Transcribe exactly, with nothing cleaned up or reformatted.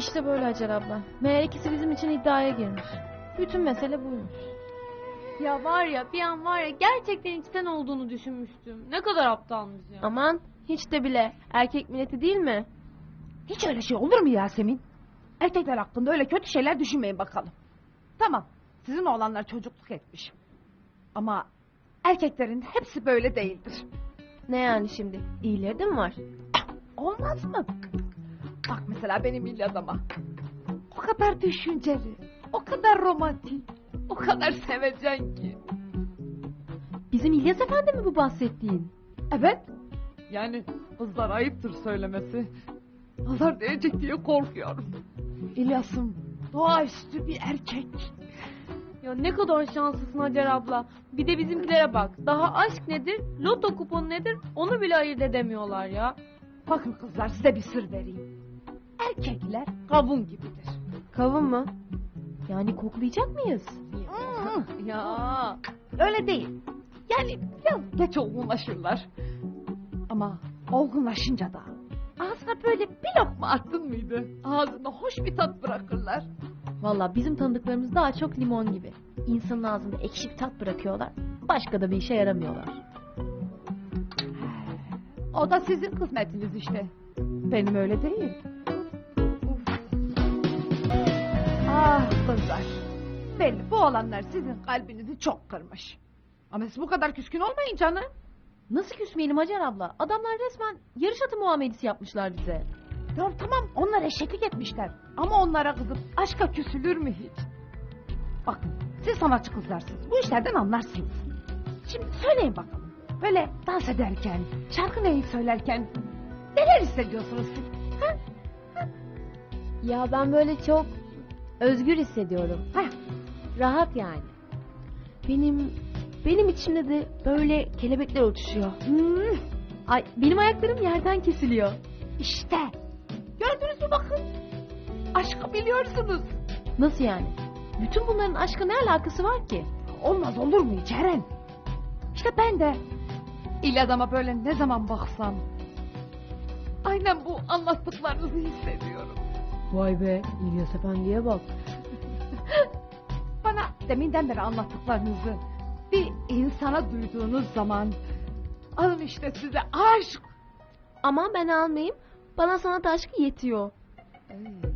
İşte böyle Hacer abla. Meğer ikisi bizim için iddiaya girmiş. Bütün mesele buymuş. Ya var ya bir an var ya gerçekten içten olduğunu düşünmüştüm. Ne kadar aptalmış ya. Aman hiç de bile. Erkek milleti değil mi? Hiç öyle şey olur mu Yasemin? Erkekler hakkında öyle kötü şeyler düşünmeyin bakalım. Tamam, sizin oğlanlar çocukluk etmiş. Ama erkeklerin hepsi böyle değildir. Ne yani şimdi? İyileri de mi var? Olmaz mı? Bak mesela benim İlyadam'a. O kadar düşünceli, o kadar romantik, o kadar sevecen ki. Bizim İlyas Efendi mi bu bahsettiğin? Evet. Yani kızlar ayıptır söylemesi. Nazar değecek diye korkuyorum. İlyas'ım doğaüstü bir erkek. Ya ne kadar şanslısın Hacer abla. Bir de bizimkilere bak. Daha aşk nedir, loto kuponu nedir onu bile ayırt edemiyorlar ya. Bakın kızlar size bir sır vereyim. Erkekler kavun gibidir. Kavun mu? Yani koklayacak mıyız? Ya öyle değil. Yani biraz geç olgunlaşırlar. Ama olgunlaşınca da ağzına böyle bir lokma attın mıydı? Ağzına hoş bir tat bırakırlar. Valla bizim tanıdıklarımız daha çok limon gibi. İnsanın ağzında ekşi bir tat bırakıyorlar. Başka da bir işe yaramıyorlar. O da sizin kısmetiniz işte. Benim öyle değil. Ah kızlar. Belli bu olanlar sizin kalbinizi çok kırmış. Ama siz bu kadar küskün olmayın canım. Nasıl küsmeyelim Hacer abla? Adamlar resmen yarış atı muamelesi yapmışlar bize. Ya tamam onlar eşeklik etmişler. Ama onlara kızıp aşka küsülür mü hiç? Bakın siz sanatçı kızlarsınız. Bu işlerden anlarsınız. Şimdi söyleyin bakalım. Böyle dans ederken, şarkı neyip söylerken neler hissediyorsunuz siz? Ha? Ya ben böyle çok özgür hissediyorum. Heh. Rahat yani. Benim benim içimde de böyle kelebekler uçuşuyor. Hmm, Ay benim ayaklarım yerden kesiliyor. işte. Gördünüz mü bakın. Aşkı biliyorsunuz. Nasıl yani? Bütün bunların aşka ne alakası var ki? Olmaz olur mu hiç Eren? İşte ben de İlyadam'a böyle ne zaman baksam aynen bu anlattıklarınızı hissediyorum. Vay be İlyas Efendi'ye bak. Bana deminden beri anlattıklarınızı bir insana duyduğunuz zaman alın işte size aşk. Aman ben almayayım. Bana sanat aşkı yetiyor. Ey.